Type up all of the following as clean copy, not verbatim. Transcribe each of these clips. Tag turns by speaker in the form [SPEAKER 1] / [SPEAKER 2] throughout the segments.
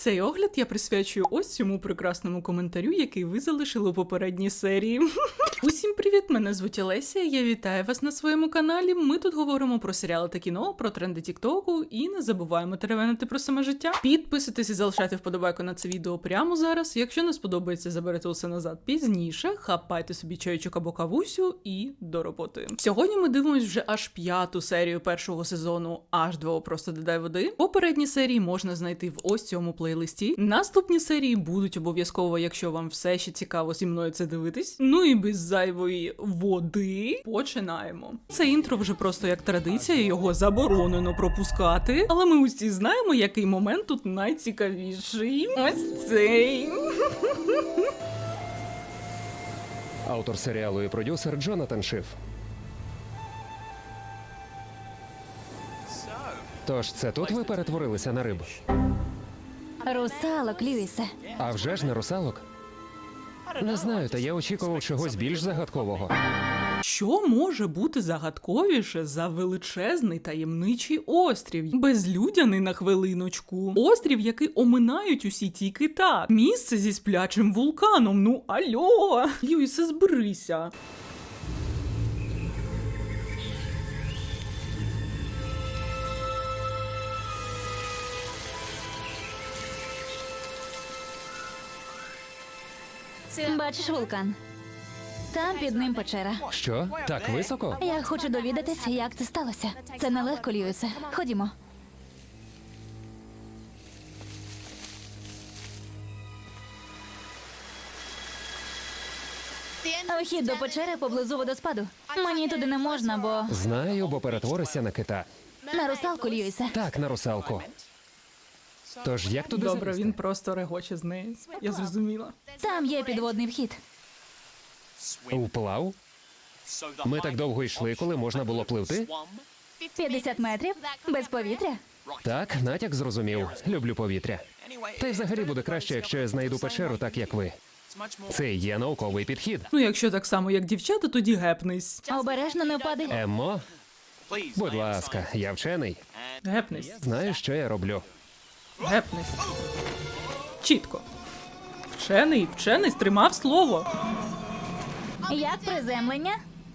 [SPEAKER 1] Цей огляд я присвячую ось цьому прекрасному коментарю, який ви залишили у попередній серії. Усім привіт, мене звуть Олеся, я вітаю вас на своєму каналі. Ми тут говоримо про серіали та кіно, про тренди тіктоку і не забуваємо теревенити про саме життя. Підписуйтесь і залишайте вподобайку на це відео прямо зараз. Якщо не сподобається, заберете усе назад пізніше, хапайте собі чайочок або кавусю і до роботи. Сьогодні ми дивимось вже аж 5-ту серію першого сезону H2O просто додай води. Попередні серії можна знайти в ось цьому плейлисті. Наступні серії будуть обов'язково, якщо вам все ще цікаво зі мною це дивитись. Ну і без зайвої води починаємо. Це інтро вже просто як традиція, його заборонено пропускати. Але ми усі знаємо, який момент тут найцікавіший. Ось цей.
[SPEAKER 2] Автор серіалу і продюсер Джонатан Шиф. Тож це тут ви перетворилися на риб?
[SPEAKER 3] Русалок, Льюісе.
[SPEAKER 2] А вже ж не русалок? Не знаю, та я очікував чогось більш загадкового.
[SPEAKER 1] Що може бути загадковіше за величезний таємничий острів? Безлюдяний на хвилиночку. Острів, який оминають усі тільки так. Місце зі сплячим вулканом. Ну альо! Льюісе, зберися.
[SPEAKER 3] Бачиш вулкан? Там під ним печера.
[SPEAKER 2] Що? Так високо?
[SPEAKER 3] Я хочу довідатися, як це сталося. Це нелегко, Льюісе. Ходімо. Вхід до печери поблизу водоспаду. Мені туди не можна, бо...
[SPEAKER 2] Знаю, бо перетворишся на кита.
[SPEAKER 3] На русалку, Льюісе.
[SPEAKER 2] Так, на русалку. Тож як туди
[SPEAKER 1] Добре,
[SPEAKER 2] залізти?
[SPEAKER 1] він просто регоче з неї. Я зрозуміла.
[SPEAKER 3] Там є підводний вхід.
[SPEAKER 2] Вплав? Ми так довго йшли, коли можна було пливти?
[SPEAKER 3] 50 метрів? Без повітря?
[SPEAKER 2] Так, натяк зрозумів. Люблю повітря. Та й взагалі буде краще, якщо я знайду печеру так, як ви. Це і є науковий підхід.
[SPEAKER 1] Ну, якщо так само, як дівчата, тоді гепнись.
[SPEAKER 3] Обережно не впади.
[SPEAKER 2] Еммо? Будь ласка, я вчений.
[SPEAKER 1] Гепнись.
[SPEAKER 2] Знаю, що я роблю.
[SPEAKER 1] Гепнись. Чітко. Вчений, стримав слово.
[SPEAKER 3] Як приземлення?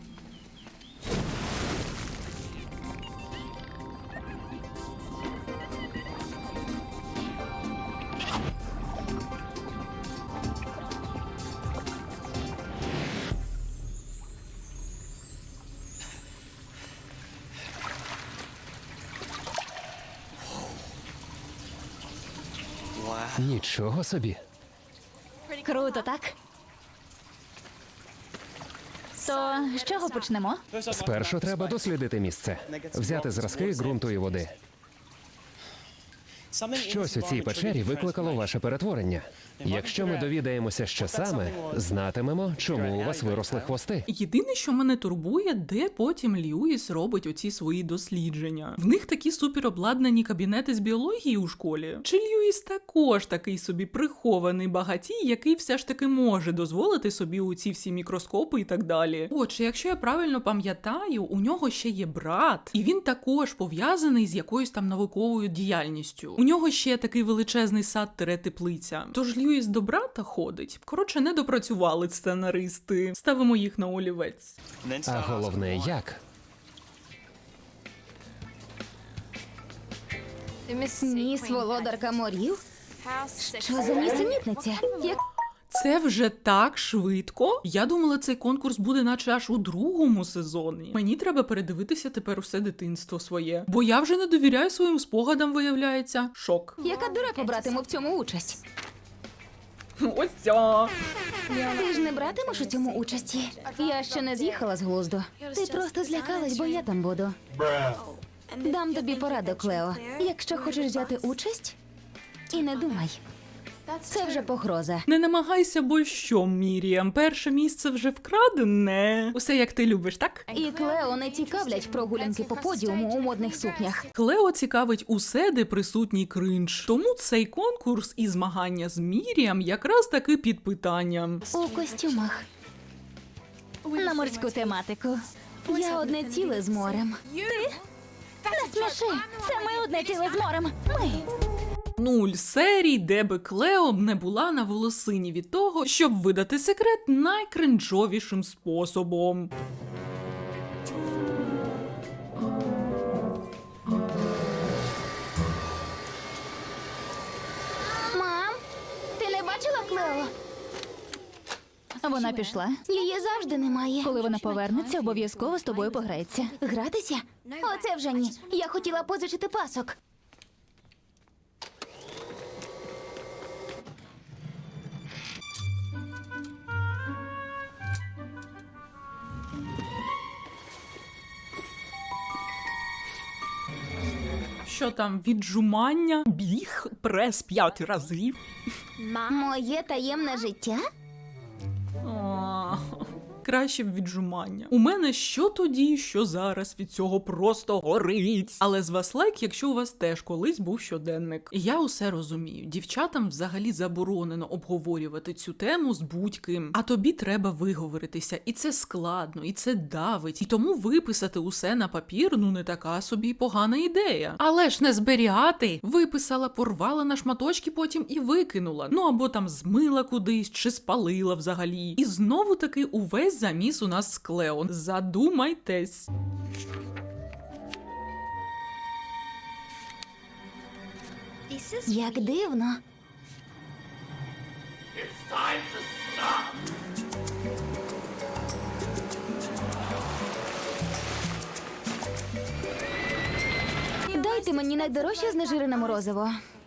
[SPEAKER 2] Нічого собі.
[SPEAKER 3] Круто, так? То з чого почнемо?
[SPEAKER 2] Спершу треба дослідити місце. Взяти зразки ґрунту і води. Щось у цій печері викликало ваше перетворення. Якщо ми довідаємося, що саме, знатимемо, чому у вас виросли хвости.
[SPEAKER 1] Єдине, що мене турбує, де потім Льюіс робить оці свої дослідження. В них такі суперобладнані кабінети з біології у школі. Чи Льюіс також такий собі прихований багатій, який все ж таки може дозволити собі оці всі мікроскопи і так далі? Отже, якщо я правильно пам'ятаю, у нього ще є брат, і він також пов'язаний з якоюсь там науковою діяльністю. У нього ще такий величезний сад-теплиця. Тож Льюіс до брата ходить. Коротше, не допрацювали сценаристи. Ставимо їх на олівець.
[SPEAKER 2] А головне, як?
[SPEAKER 3] Ніс володарка морів? Що за нісенітниця? Як
[SPEAKER 1] Це вже так швидко. Я думала, цей конкурс буде наче аж у другому сезоні. Мені треба передивитися тепер усе дитинство своє. Бо я вже не довіряю своїм спогадам, виявляється. Шок.
[SPEAKER 3] яка дурепа братиме в цьому участь?
[SPEAKER 1] Ось ця.
[SPEAKER 3] Ти ж не братимеш у цьому участі? Я ще не з'їхала з глузду. Ти просто злякалась, бо я там буду. Дам тобі пораду, Клео. Якщо хочеш взяти участь, і не думай. Це вже погроза.
[SPEAKER 1] Не намагайся, бо що, Міріам, перше місце вже вкрадене. Усе як ти любиш, так?
[SPEAKER 3] І Клео не цікавлять прогулянки по подіуму у модних сукнях.
[SPEAKER 1] Клео цікавить усе, де присутній кринж. Тому цей конкурс і змагання з Міріам якраз таки під питанням.
[SPEAKER 3] У костюмах. На морську тематику. Я одне ціле з морем. Ти? Не сміши! Це ми одне ціле з морем. Ми!
[SPEAKER 1] 0 серій, де би Клео не була на волосині від того, щоб видати секрет найкринжовішим способом.
[SPEAKER 3] Мам, ти не бачила Клео?
[SPEAKER 4] Вона пішла.
[SPEAKER 3] Її завжди немає.
[SPEAKER 4] Коли вона повернеться, обов'язково з тобою пограється.
[SPEAKER 3] Гратися? Оце вже ні. Я хотіла позичити пасок.
[SPEAKER 1] Що там, віджумання, біг, прес 5 разів?
[SPEAKER 3] Моє таємне життя?
[SPEAKER 1] О, краще б віджумання. У мене що тоді, що зараз від цього просто горить. Але з вас лайк, якщо у вас теж колись був щоденник. Я усе розумію. Дівчатам взагалі заборонено обговорювати цю тему з будь-ким. А тобі треба виговоритися. І це складно, і це давить. І тому виписати усе на папір, ну не така собі погана ідея. Але ж не зберігати. Виписала, порвала на шматочки потім і викинула. Ну або там змила кудись, чи спалила взагалі. І знову таки увесь заміс у нас з Клео. Задумайтесь.
[SPEAKER 3] Як дивно. Дайте мені найдорожче знежирене морозиво.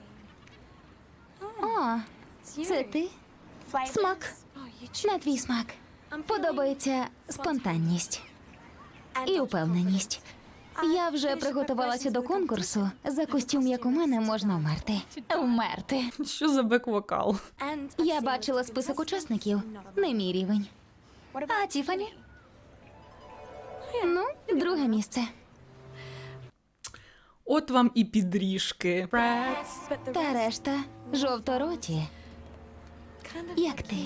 [SPEAKER 3] О, це ти? Смак. На твій смак. Подобається спонтанність і упевненість. Я вже приготувалася до конкурсу. За костюм, як у мене, можна вмерти.
[SPEAKER 4] Вмерти.
[SPEAKER 1] Що за бек-вокал?
[SPEAKER 3] Я бачила список учасників. Не мій рівень.
[SPEAKER 4] А Тіфані?
[SPEAKER 3] Ну, друге місце.
[SPEAKER 1] От вам і підріжки.
[SPEAKER 3] Та решта жовтороті. Як ти?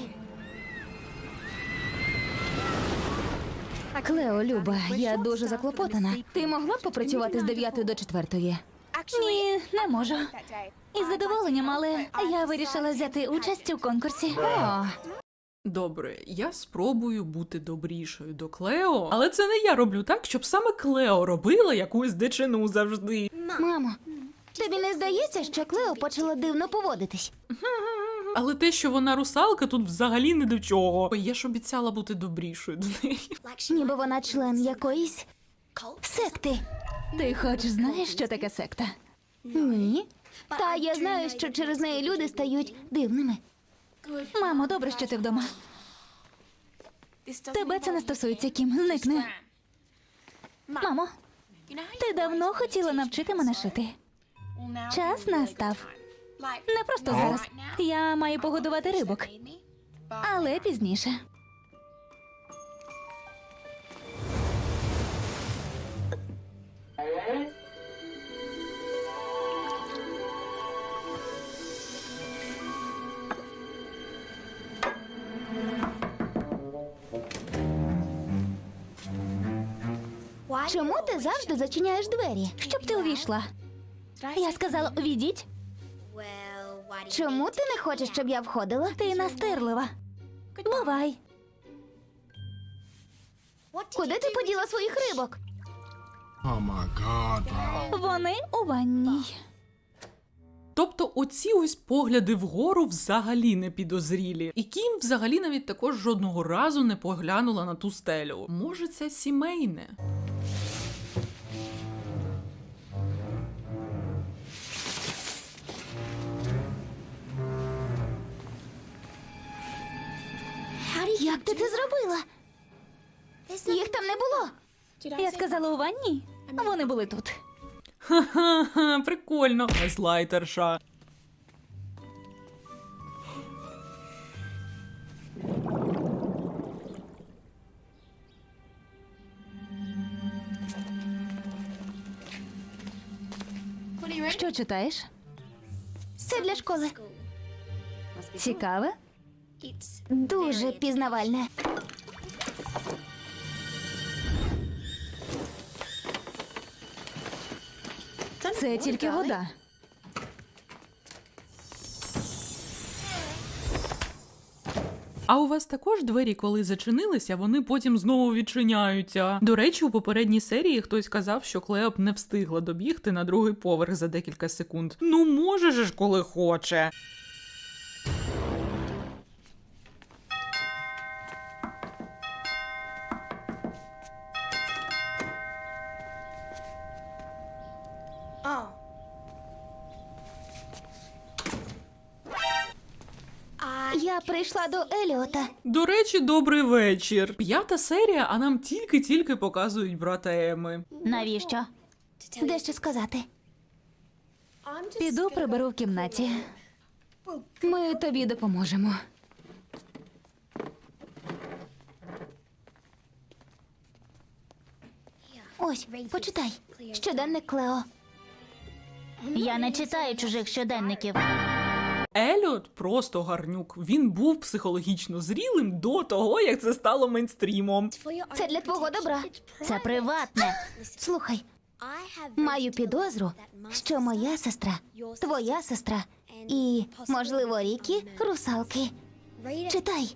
[SPEAKER 3] Клео, Люба, я дуже заклопотана. Ти могла б попрацювати з 9 до 4?
[SPEAKER 4] Ні, не можу. Із задоволенням, але я вирішила взяти участь у конкурсі.
[SPEAKER 3] О,
[SPEAKER 1] Добре, я спробую бути добрішою до Клео, але це не я роблю так, щоб саме Клео робила якусь дичину завжди.
[SPEAKER 3] мамо, тобі не здається, що Клео почала дивно поводитись?
[SPEAKER 1] Але те, що вона русалка, тут взагалі не до чого. Я ж обіцяла бути добрішою до неї.
[SPEAKER 3] Ніби вона член якоїсь секти.
[SPEAKER 4] Ти хоч знаєш, що таке секта?
[SPEAKER 3] Ні. Та я знаю, що через неї люди стають дивними.
[SPEAKER 4] Мамо, добре, що ти вдома. Тебе це не стосується, Кім. Зникни. Мамо, ти давно хотіла навчити мене шити. Час настав. Не просто зараз. Я маю погодувати рибок, але пізніше.
[SPEAKER 3] Чому ти завжди зачиняєш двері?
[SPEAKER 4] Щоб ти увійшла. Я сказала, увійдіть.
[SPEAKER 3] Чому ти не хочеш, щоб я входила?
[SPEAKER 4] Ти настирлива. Бувай.
[SPEAKER 3] Куди ти поділа своїх рибок?
[SPEAKER 5] Oh my god, bro.
[SPEAKER 4] Вони у ванній.
[SPEAKER 1] Тобто оці ось погляди вгору взагалі не підозрілі. І Кім взагалі навіть також жодного разу не поглянула на ту стелю. Може, це сімейне?
[SPEAKER 3] Як ти це зробила? Їх там не було.
[SPEAKER 4] Я сказала у ванній. Вони були тут.
[SPEAKER 1] Ха-ха-ха, прикольно. Газлайтерша.
[SPEAKER 4] Що читаєш?
[SPEAKER 3] Це для школи.
[SPEAKER 4] Цікаве?
[SPEAKER 3] Дуже пізнавальне.
[SPEAKER 4] Це тільки вода.
[SPEAKER 1] А у вас також двері, коли зачинилися, вони потім знову відчиняються? До речі, у попередній серії хтось казав, що Клео б не встигла добігти на другий поверх за декілька секунд. Ну може ж, коли хоче.
[SPEAKER 3] Я прийшла до Еліота.
[SPEAKER 1] До речі, добрий вечір. 5-та серія, а нам тільки-тільки показують брата Еми.
[SPEAKER 4] Навіщо?
[SPEAKER 3] Дещо сказати.
[SPEAKER 4] Піду приберу в кімнаті.
[SPEAKER 3] Ми тобі допоможемо. Ось, почитай. Щоденник Клео.
[SPEAKER 4] Я не читаю чужих щоденників.
[SPEAKER 1] Еліот просто гарнюк. Він був психологічно зрілим до того, як це стало мейнстрімом.
[SPEAKER 3] Це для твого добра.
[SPEAKER 4] Це приватне.
[SPEAKER 3] Слухай, маю підозру, що моя сестра, твоя сестра і, можливо, Рікі – русалки. Читай.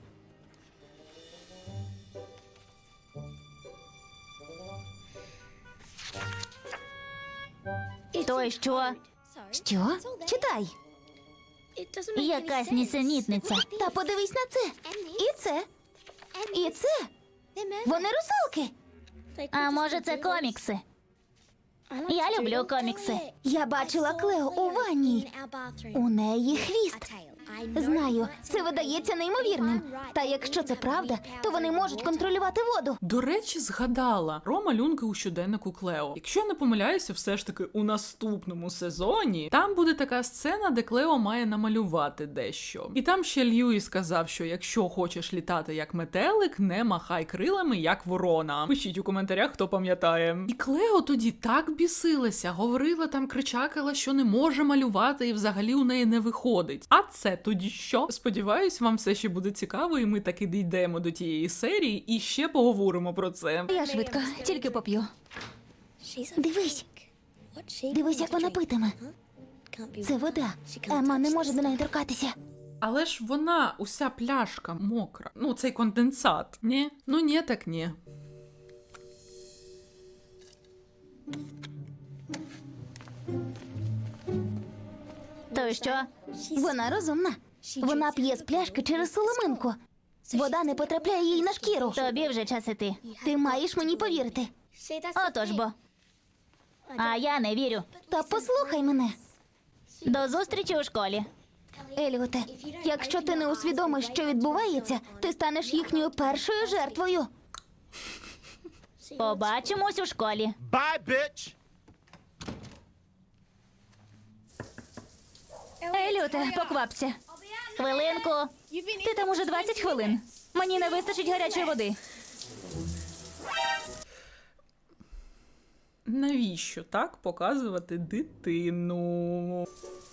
[SPEAKER 4] То й що?
[SPEAKER 3] Що? Читай.
[SPEAKER 4] Якась нісенітниця.
[SPEAKER 3] Та подивись на це. І це. І це. Вони русалки.
[SPEAKER 4] А може це комікси? Я люблю комікси.
[SPEAKER 3] Я бачила Клео у ванній. У неї хвіст. Знаю, це видається неймовірним. Та якщо це правда, то вони можуть контролювати воду.
[SPEAKER 1] До речі, згадала про малюнки у щоденнику Клео. Якщо я не помиляюся, все ж таки у наступному сезоні там буде така сцена, де Клео має намалювати дещо. І там ще Льюі сказав, що якщо хочеш літати як метелик, не махай крилами як ворона. Пишіть у коментарях, хто пам'ятає. І Клео тоді так бісилася, говорила там, кричакала, що не може малювати і взагалі у неї не виходить. А це тоді що? Сподіваюсь, вам все ще буде цікаво, і ми таки дійдемо до тієї серії і ще поговоримо про це.
[SPEAKER 3] Я швидко, тільки поп'ю. Дивись. Дивись, як вона питиме. Це вода. Ема не може до неї торкатися.
[SPEAKER 1] Але ж вона, уся пляшка мокра. Ну, цей конденсат. Ні? Ну, ні, так ні.
[SPEAKER 4] То й що?
[SPEAKER 3] Вона розумна. Вона п'є з пляшки через соломинку. Вода не потрапляє їй на шкіру.
[SPEAKER 4] Тобі вже час іти.
[SPEAKER 3] Ти маєш мені повірити.
[SPEAKER 4] Отож бо. А я не вірю.
[SPEAKER 3] Та послухай мене.
[SPEAKER 4] До зустрічі у школі.
[SPEAKER 3] Еліоте, якщо ти не усвідомиш, що відбувається, ти станеш їхньою першою жертвою.
[SPEAKER 4] Побачимось у школі.
[SPEAKER 6] Bye, bitch!
[SPEAKER 4] Еліоте, поквапся. Хвилинку. Ти там уже 20 хвилин. Мені не вистачить гарячої води.
[SPEAKER 1] Навіщо так показувати дитину?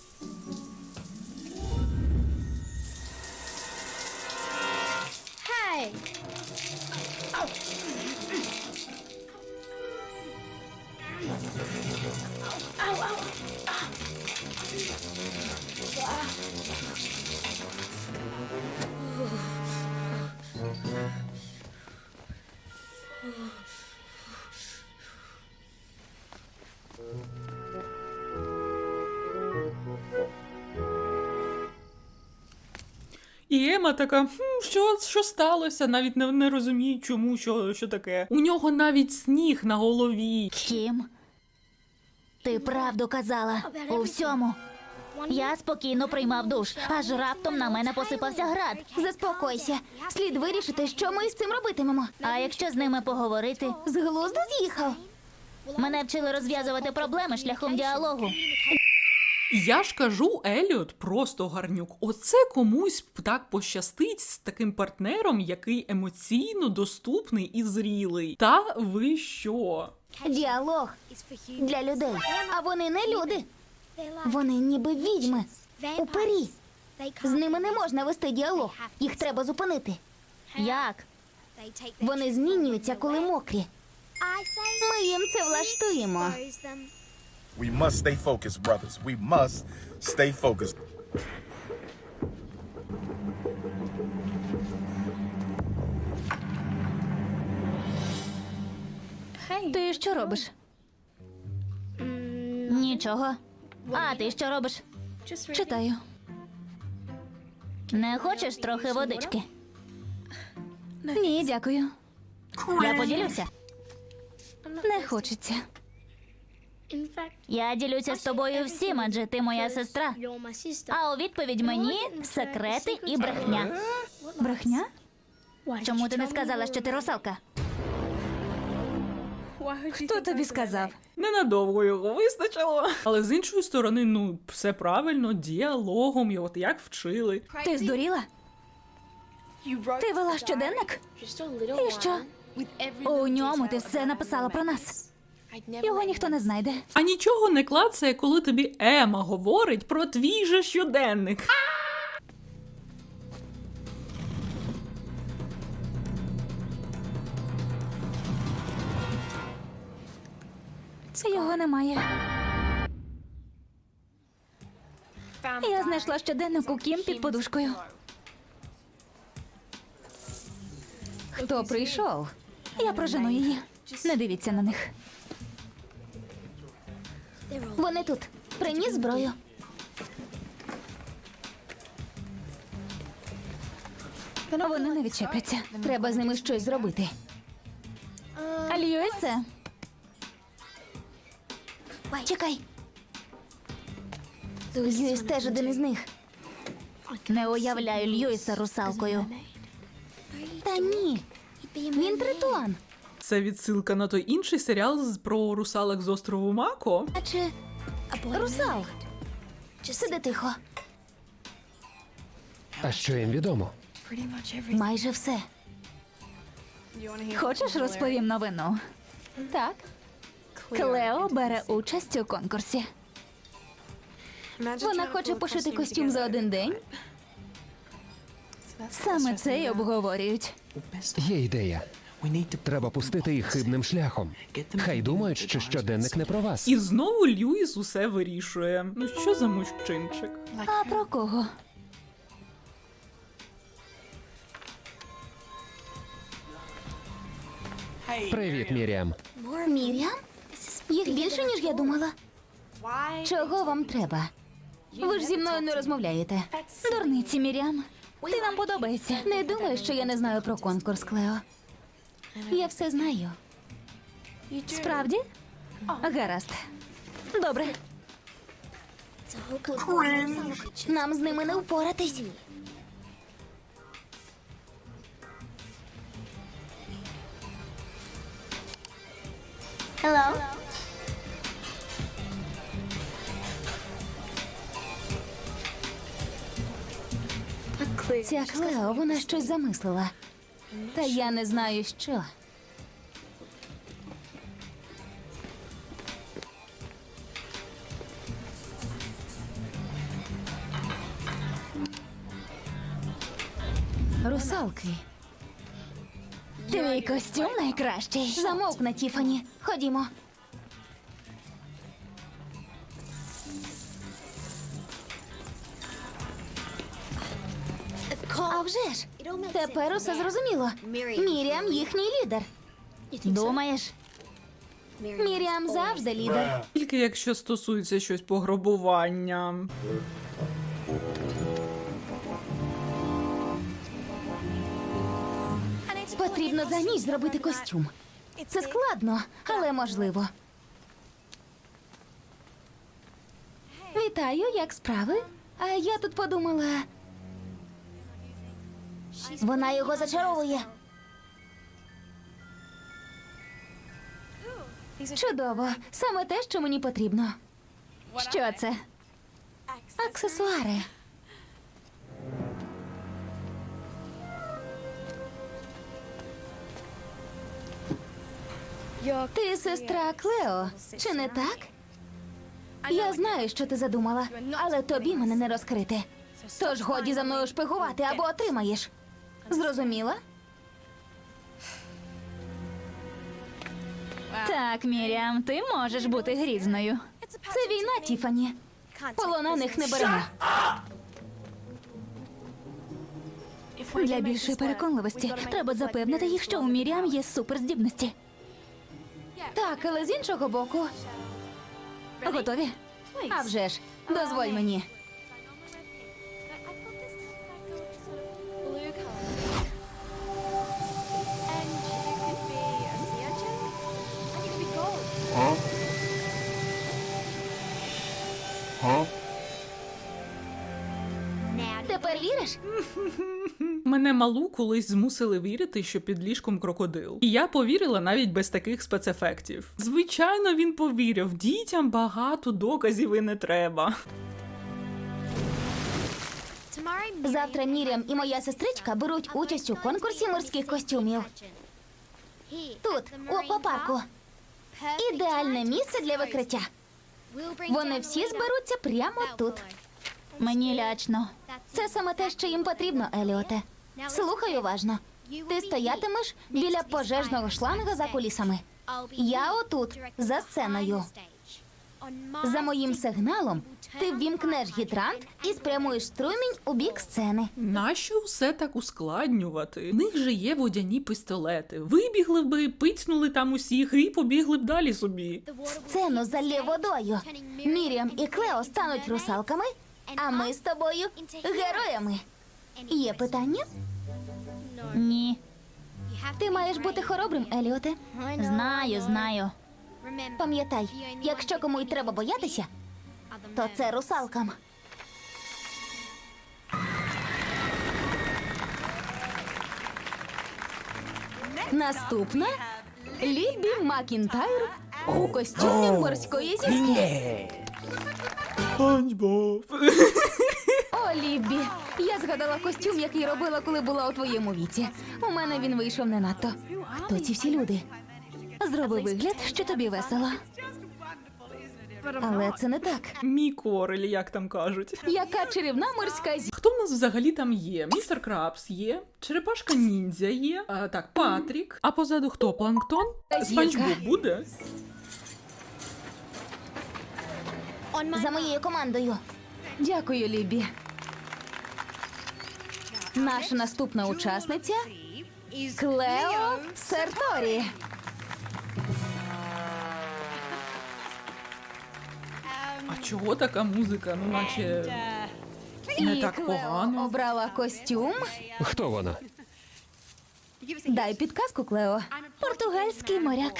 [SPEAKER 1] І Ема така, що сталося? Навіть не розумію, чому, що таке. У нього навіть сніг на голові.
[SPEAKER 4] Кім, ти правду казала у всьому. Я спокійно приймав душ, аж раптом на мене посипався град.
[SPEAKER 3] Заспокойся. Слід вирішити, що ми з цим робитимемо.
[SPEAKER 4] А якщо з ними поговорити?
[SPEAKER 3] З глузду з'їхав.
[SPEAKER 4] Мене вчили розв'язувати проблеми шляхом діалогу.
[SPEAKER 1] Я ж кажу, Еліот просто гарнюк. Оце комусь так пощастить з таким партнером, який емоційно доступний і зрілий. Та ви що?
[SPEAKER 3] Діалог для людей. А вони не люди. Вони ніби відьми. Упирі. З ними не можна вести діалог. Їх треба зупинити.
[SPEAKER 4] Як?
[SPEAKER 3] Вони змінюються, коли мокрі. Ми їм це влаштуємо.
[SPEAKER 6] We must stay focused, brothers. We must stay focused.
[SPEAKER 4] Ти що робиш? Нічого. А ти що робиш? Читаю. Не хочеш трохи водички? Ні, дякую. Я поділюся. Не хочеться. Я ділюся з тобою всім, адже ти моя сестра. А у відповідь мені секрети і брехня. Брехня? Чому ти не сказала, що ти русалка? Хто тобі сказав?
[SPEAKER 1] Ненадовго його вистачило. Але з іншої сторони, ну, все правильно, діалогом, і от як вчили.
[SPEAKER 4] Ти здуріла? Ти вела щоденник? І що? У ньому ти все написала про нас. Його ніхто не знайде.
[SPEAKER 1] А нічого не клацає, коли тобі Ема говорить про твій же щоденник.
[SPEAKER 4] Його немає. Я знайшла щоденник у Кім під подушкою.
[SPEAKER 3] Хто прийшов?
[SPEAKER 4] Я прожену її. Не дивіться на них.
[SPEAKER 3] Вони тут. Приніс зброю.
[SPEAKER 4] Вони не відчепляться.
[SPEAKER 3] Треба з ними щось зробити.
[SPEAKER 4] Льюісе,
[SPEAKER 3] Чекай. Льюіс теж один із них.
[SPEAKER 4] не уявляю Льюіса русалкою.
[SPEAKER 3] Та ні. Він тритон.
[SPEAKER 1] Це відсилка на той інший серіал про русалок з острову Мако.
[SPEAKER 3] А чи русал? Сиди тихо.
[SPEAKER 2] А що їм відомо?
[SPEAKER 3] Майже все.
[SPEAKER 4] Хочеш, розповім новину? Так. Клео бере участь у конкурсі.
[SPEAKER 3] Вона хоче пошити костюм за один день.
[SPEAKER 4] Саме це й обговорюють.
[SPEAKER 2] Є ідея. Треба пустити їх хибним шляхом. Хай думають, що щоденник не про вас.
[SPEAKER 1] І знову Льюіс усе вирішує. Ну що за мужчинчик?
[SPEAKER 4] А про кого?
[SPEAKER 2] Привіт, Міріам.
[SPEAKER 3] Мір'ям? Їх більше, ніж я думала. Чого вам треба? Ви ж зі мною не розмовляєте.
[SPEAKER 4] Дурниці, Мір'ям. Ти нам подобаєшся.
[SPEAKER 3] Не думаю, що я не знаю про конкурс, Клео. Я все знаю.
[SPEAKER 4] Справді? Гаразд. Добре.
[SPEAKER 3] Нам з ними не впоратись. Hello? Ця Клео, вона щось замислила. Та я не знаю, що. Русалки.
[SPEAKER 4] Твій костюм найкращий.
[SPEAKER 3] Замовкни, Тіфані. Ходімо. А вже ж. Тепер усе зрозуміло. Мір'ям їхній лідер.
[SPEAKER 4] Думаєш?
[SPEAKER 3] Мір'ям завжди лідер.
[SPEAKER 1] Тільки якщо стосується щось пограбування.
[SPEAKER 3] Потрібно за ніч зробити костюм. Це складно, але можливо. Вітаю, як справи? А я тут подумала. Вона його зачаровує. Чудово. Саме те, що мені потрібно.
[SPEAKER 4] Що це?
[SPEAKER 3] Аксесуари. Ти сестра Клео, чи не так? Я знаю, що ти задумала, але тобі мене не розкрити. Тож годі за мною шпигувати або отримаєш. Зрозуміла?
[SPEAKER 4] Так, Мір'ям, ти можеш бути грізною.
[SPEAKER 3] Це війна, Тіфані. Полонених не беремо.
[SPEAKER 4] Для більшої переконливості треба запевнити їх, що у Мір'ям є суперздібності.
[SPEAKER 3] Так, але з іншого боку. Готові? А вже ж, дозволь мені.
[SPEAKER 5] Huh? Huh?
[SPEAKER 3] Тепер віриш?
[SPEAKER 1] Мене малу колись змусили вірити, що під ліжком крокодил. І я повірила навіть без таких спецефектів. Звичайно, він повірив. Дітям багато доказів і не треба.
[SPEAKER 3] Завтра Мір'ям і моя сестричка беруть участь у конкурсі морських костюмів. Тут, у аквапарку. Ідеальне місце для викриття. Вони всі зберуться прямо тут.
[SPEAKER 4] Мені лячно.
[SPEAKER 3] Це саме те, що їм потрібно, Еліоте. Слухай уважно. Ти стоятимеш біля пожежного шланга за кулісами. Я отут, за сценою. За моїм сигналом ти ввімкнеш гідрант і спрямуєш струмінь у бік сцени.
[SPEAKER 1] Нащо все так ускладнювати? В них же є водяні пістолети. Вибігли би, пицнули там усіх і побігли б далі собі.
[SPEAKER 3] Сцену залє водою. Мір'ям і Клео стануть русалками, а ми з тобою героями. Є питання?
[SPEAKER 4] Ні.
[SPEAKER 3] Ти маєш бути хоробрим, Еліоте.
[SPEAKER 4] Знаю.
[SPEAKER 3] Пам'ятай, якщо кому й треба боятися, то це русалкам. Наступна Ліббі Макінтайр у костюмі морської зірки.
[SPEAKER 1] Спанч-Боб.
[SPEAKER 3] О, Ліббі, я згадала костюм, який робила, коли була у твоєму віці. У мене він вийшов не надто. Хто ці всі люди? Зроби вигляд, що тобі весело. Але це не так.
[SPEAKER 1] Мій корель, як там кажуть.
[SPEAKER 3] Яка чарівна морська зірка.
[SPEAKER 1] Хто в нас взагалі там є? Містер Крабс є, Черепашка Ніндзя є, так, Патрік. А позаду хто? Планктон? Спанч-Боб буде?
[SPEAKER 3] За моєю командою. Дякую, Ліббі. Наша наступна учасниця Клео Серторі.
[SPEAKER 1] А чого така музика? Ну, наче не
[SPEAKER 3] І
[SPEAKER 1] так
[SPEAKER 3] Клео
[SPEAKER 1] погано.
[SPEAKER 3] обрала костюм.
[SPEAKER 2] Хто вона?
[SPEAKER 3] Дай підказку, Клео.
[SPEAKER 4] Португальський моряк.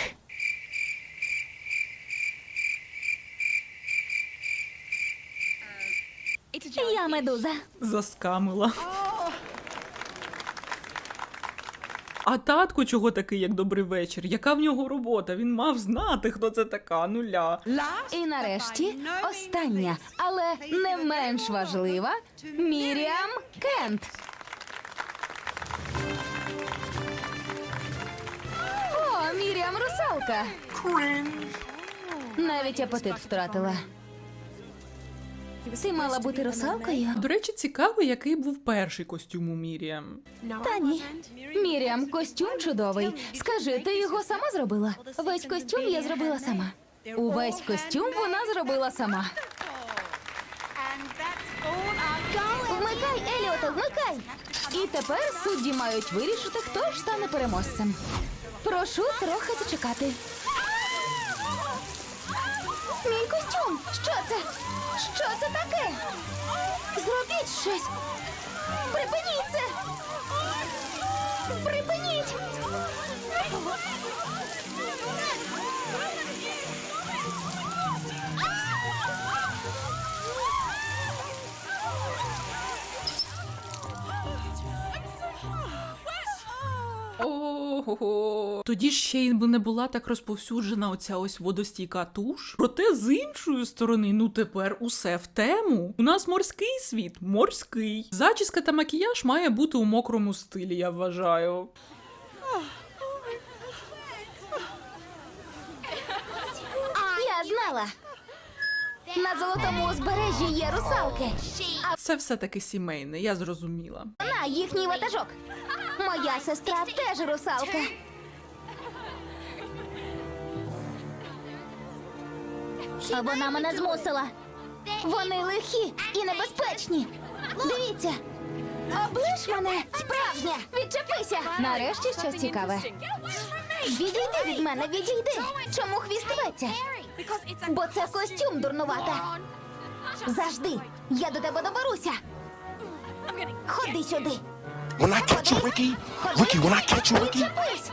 [SPEAKER 4] Я медуза.
[SPEAKER 1] Заскамила. А татко чого такий, як добрий вечір? Яка в нього робота? Він мав знати, хто це така, нуля.
[SPEAKER 3] І нарешті остання, але не менш важлива Мір'ям Кент. О, Мір'ям русалка. Навіть апетит втратила. Ти мала бути русалкою?
[SPEAKER 1] До речі, цікаво, який був перший костюм у Міріам.
[SPEAKER 3] Та ні. Мір'ям, костюм чудовий. Скажи, ти його сама зробила? Весь костюм я зробила сама. Увесь костюм вона зробила сама. Вмикай, Еліоте, вмикай! І тепер судді мають вирішити, хто ж стане переможцем. Прошу трохи зачекати. Мій костюм! Що це? Що це таке? Зробіть щось! Припиніть це! Припиніть!
[SPEAKER 1] Ого. Тоді ж ще й не була так розповсюджена оця ось водостійка туш. Проте з іншої сторони, ну тепер усе в тему. У нас морський світ, морський. Зачіска та макіяж має бути у мокрому стилі, я вважаю.
[SPEAKER 3] Я знала! На золотому узбережжі є русалки,
[SPEAKER 1] Це все-таки сімейне, я зрозуміла.
[SPEAKER 3] а вона їхній ватажок. Моя сестра теж русалка.
[SPEAKER 4] А вона мене змусила.
[SPEAKER 3] Вони лихі і небезпечні. Дивіться. Облиш мене, справжня. Відчепися. Нарешті щось цікаве. Відійди від мене, відійди! Чому хвіст рветься? Бо це костюм, дурнувата! Завжди! Я до тебе доберуся! Ходи сюди!
[SPEAKER 5] When I catch you, Ricky. Ricky, when I catch you, Ricky.
[SPEAKER 3] Відчепись!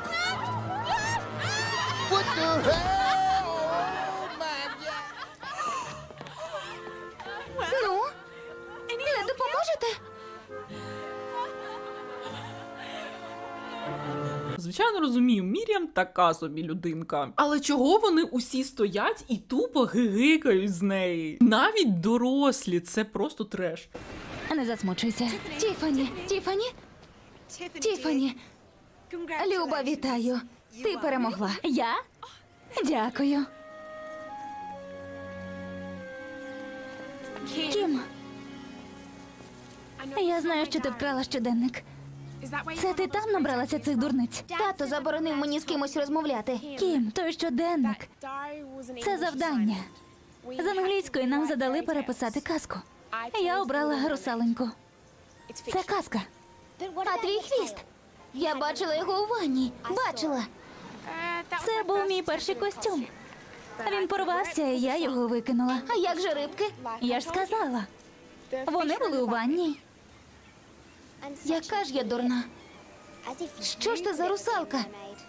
[SPEAKER 3] Ну? Не допоможете?
[SPEAKER 1] Звичайно, розумію, Мір'ям така собі людинка. Але чого вони усі стоять і тупо гигикають з неї? Навіть дорослі, це просто треш.
[SPEAKER 4] Не засмучуйся.
[SPEAKER 3] Тіфані, Люба, вітаю. Ти перемогла.
[SPEAKER 4] Я? Дякую. Кім, я знаю, що ти вкрала щоденник. Це ти там набралася цих дурниць?
[SPEAKER 3] Тато заборонив мені з кимось розмовляти.
[SPEAKER 4] Кім, той щоденник. Це завдання. З англійської нам задали переписати казку. Я обрала русаленьку. Це казка.
[SPEAKER 3] А твій хвіст? Я бачила його у ванні. Бачила.
[SPEAKER 4] Це був мій перший костюм. Він порвався, і я його викинула.
[SPEAKER 3] А як же рибки?
[SPEAKER 4] Я ж сказала. Вони були у ванні.
[SPEAKER 3] Яка ж я дурна? Що ж ти за русалка?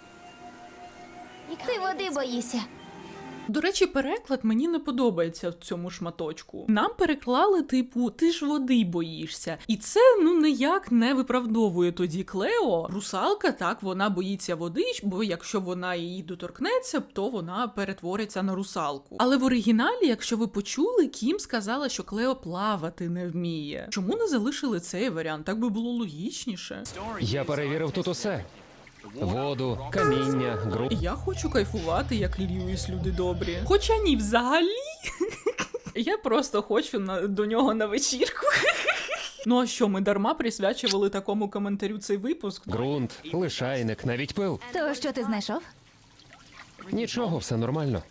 [SPEAKER 3] Ти води боїшся.
[SPEAKER 1] До речі, переклад мені не подобається в цьому шматочку. Нам переклали, типу, ти ж води боїшся. І це, ніяк не виправдовує тоді Клео. Русалка, так, вона боїться води, бо якщо вона її доторкнеться, то вона перетвориться на русалку. Але в оригіналі, якщо ви почули, Кім сказала, що Клео плавати не вміє. Чому не залишили цей варіант? Так би було логічніше.
[SPEAKER 2] Я перевірив тут усе: воду, каміння, ґрунт.
[SPEAKER 1] Я хочу кайфувати, як Льюіс, люди добрі. Хоча ні, взагалі. Я просто хочу до нього на вечірку. Ну а що, ми дарма присвячували такому коментарю цей випуск?
[SPEAKER 2] Ґрунт, лишайник, навіть пил.
[SPEAKER 4] То що ти знайшов?
[SPEAKER 2] Нічого, все нормально.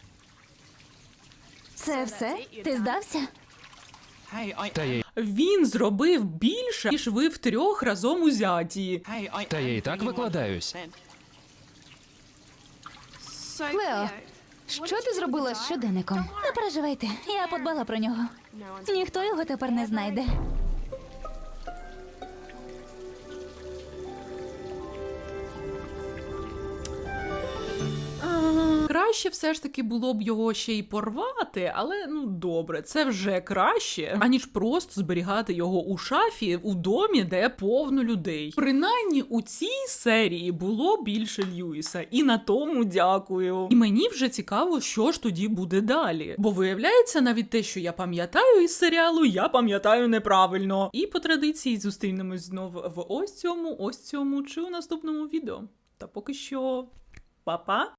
[SPEAKER 4] Це все? Ти здався?
[SPEAKER 2] Та я,
[SPEAKER 1] Він зробив більше, ніж ви втрьох разом узяті.
[SPEAKER 2] та я і так викладаюсь.
[SPEAKER 3] Клео, що ти зробила з щоденником?
[SPEAKER 4] Не переживайте, я подбала про нього. Ніхто його тепер не знайде.
[SPEAKER 1] Краще все ж таки було б його ще й порвати, але добре, це вже краще, аніж просто зберігати його у шафі у домі, де повно людей. Принаймні у цій серії було більше Льюіса, і на тому дякую. І мені вже цікаво, що ж тоді буде далі. Бо виявляється, навіть те, що я пам'ятаю із серіалу, я пам'ятаю неправильно. І по традиції зустрінемось знов в ось цьому чи у наступному відео. Та поки що, па-па!